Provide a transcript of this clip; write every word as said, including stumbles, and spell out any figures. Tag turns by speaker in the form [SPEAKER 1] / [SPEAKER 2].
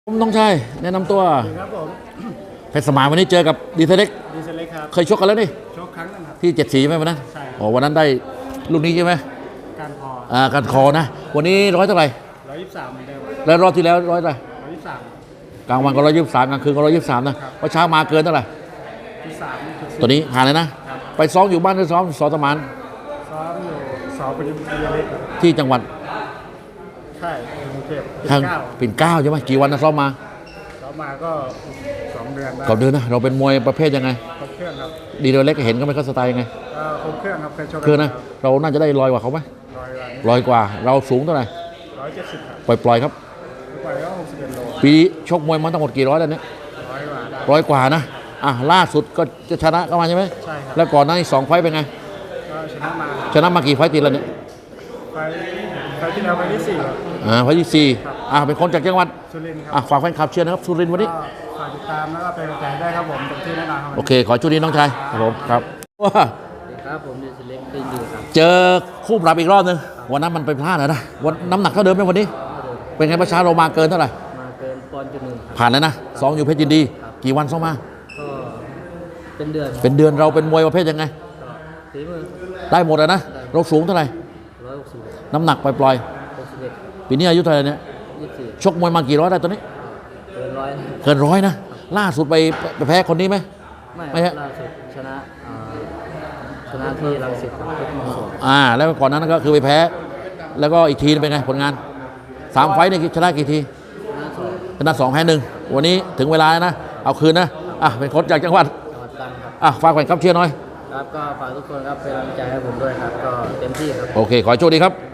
[SPEAKER 1] ผมน้องชายแนะนำตัว
[SPEAKER 2] ครับผม
[SPEAKER 1] เพชรสมานวันนี้เจอกับดีเซเล็ก
[SPEAKER 2] ดีเซเล็กครับ
[SPEAKER 1] เคยชกกันแล้วนี่
[SPEAKER 2] ชกครั้งนึงครับ
[SPEAKER 1] ที่เจ็ดสีใช่ไหมวันนั้น
[SPEAKER 2] ใช่
[SPEAKER 1] อ๋อวันนั้นได้ลูกนี้ใช่ไหม
[SPEAKER 2] การพอ
[SPEAKER 1] อ่าการคอนะวันนี้ร้อยเท่าไหร่
[SPEAKER 2] ร้อยยี่สิบสามเหมือนเดิม
[SPEAKER 1] แล้วรอบที่แล้วร้อยเท่าไหร่
[SPEAKER 2] ร้อยยี่สิบสาม
[SPEAKER 1] กลางวันก็ร้อยยี่สิบสามกลางคืนก็ร้อยยี่สิบสามนะว่าเช้ามาเกินเท่าไหร่
[SPEAKER 2] ที่สาม
[SPEAKER 1] ตัวนี้ผ่านเลยนะไปซ้อมอยู่บ้านหรือซ้อมสอสมาน
[SPEAKER 2] ซ้อมอยู่สอบเป็นดีเล็ก
[SPEAKER 1] ที่จังหวัด
[SPEAKER 2] ใช่กรุงเทพ
[SPEAKER 1] ทางปิ่นเกล้าใช่ไหมกี่วันนะซ้อมมา
[SPEAKER 2] ซ้อมมาก็สองเดือน
[SPEAKER 1] สองเดือนนะเราเป็นมวยประเภทยังไง
[SPEAKER 2] ครบเครื่องครับ
[SPEAKER 1] ดีเล็กเห็นก็ไม่เข้าสไตล์ยังไง
[SPEAKER 2] ครบเครื่องครับเคยชก
[SPEAKER 1] คือนะเราน่าจะได้ลอยกว่าเขาไหมลอยกว่าเราสูงเท่าไหร่
[SPEAKER 2] ร้อยเจ็ดสิบ
[SPEAKER 1] ปล่อยปล่อยครับ
[SPEAKER 2] ปล่อยก็หกสิบเอ็ดโล
[SPEAKER 1] ปีชกมวยมาทั้งหมดกี่ร้อยแล้วเนี่ย
[SPEAKER 2] ร้อยกว่า
[SPEAKER 1] ร้อยกว่านะอ่ะล่าสุดก็จะชนะก็มาใช่ไหม
[SPEAKER 2] ใช่ครับ
[SPEAKER 1] แล้วก่อนหน้านี้สองไฟเป็นไง
[SPEAKER 2] ก็ชนะมา
[SPEAKER 1] ชนะมากี่ไฟตีแล้วเนี่ย
[SPEAKER 2] ไฟไฟที่แล้วไฟที่สี่
[SPEAKER 1] อ่าไฟที่สี่อ่ะเป็นคนจากจังหวัด
[SPEAKER 2] สุรินทร์ครับ
[SPEAKER 1] อ่ะฝากแฟนคลับเชียร์นะครับสุรินทร์วันนี้
[SPEAKER 2] ฝากติดตามแล้วก็เป็นกำลังใจได้ครับผมเต็มที่แน่นอนครับ
[SPEAKER 1] โอเคขอจุดนี้น้องชายครับผมครับว้า
[SPEAKER 2] ครับผมดีเล็กตีนดีครับ
[SPEAKER 1] เจอคู่ปรับอีกรอบนึงวันนั้นมันไปพลาดนะวันน้ำหนักเท่าเดิมไหมวันนี้เป็นไงประชาเรามาเกินเท่าไหร่
[SPEAKER 2] มาเกินปอนด์จุดหนึ่ง
[SPEAKER 1] ผ่านแล้วนะสองอยู่เพชรยินดีกี่วันซ้อมมา
[SPEAKER 2] ก็เป็นเดือน
[SPEAKER 1] เป็นเดือนเราเป็นมวยประเภทยังไง
[SPEAKER 2] ฝีมือ
[SPEAKER 1] ได้หมดเลยนะเราสูงเท่าไหร่
[SPEAKER 2] ร้อยหกสิบ
[SPEAKER 1] น้ำหนักปล่อย
[SPEAKER 2] หกสิบเอ็ด
[SPEAKER 1] ปีนี้อายุเท่าไหร่เนี่ย
[SPEAKER 2] ยี่สิบสี่
[SPEAKER 1] ชกมวยมากี่ร้อยได้ตัวนี้
[SPEAKER 2] เกินร้อย
[SPEAKER 1] เกินร้อยนะล่าสุดไปไปแพ้คนนี้ไหม
[SPEAKER 2] ไม่ล่าสุดชนะชนะที่รังสิต
[SPEAKER 1] อ่าแล้วก่อนนั้นก็คือไปแพ้แล้วก็อีกทีเป็นไงผลงานสามไฟต์นี่ชนะกี่ทีชนะสองแพ้หนึ่งวันนี้ถึงเวลานะเอาคืนนะอ่ะเป็นคนจากจังหวัดอ่ะฝากแฟนคลับเชียร์หน่อย
[SPEAKER 2] ครับก็ฝากทุกคนครับเป็นกำลังใจให้ผมด้วยครับก็เต็มที่ครับ
[SPEAKER 1] โอเคขอโชคดีครับ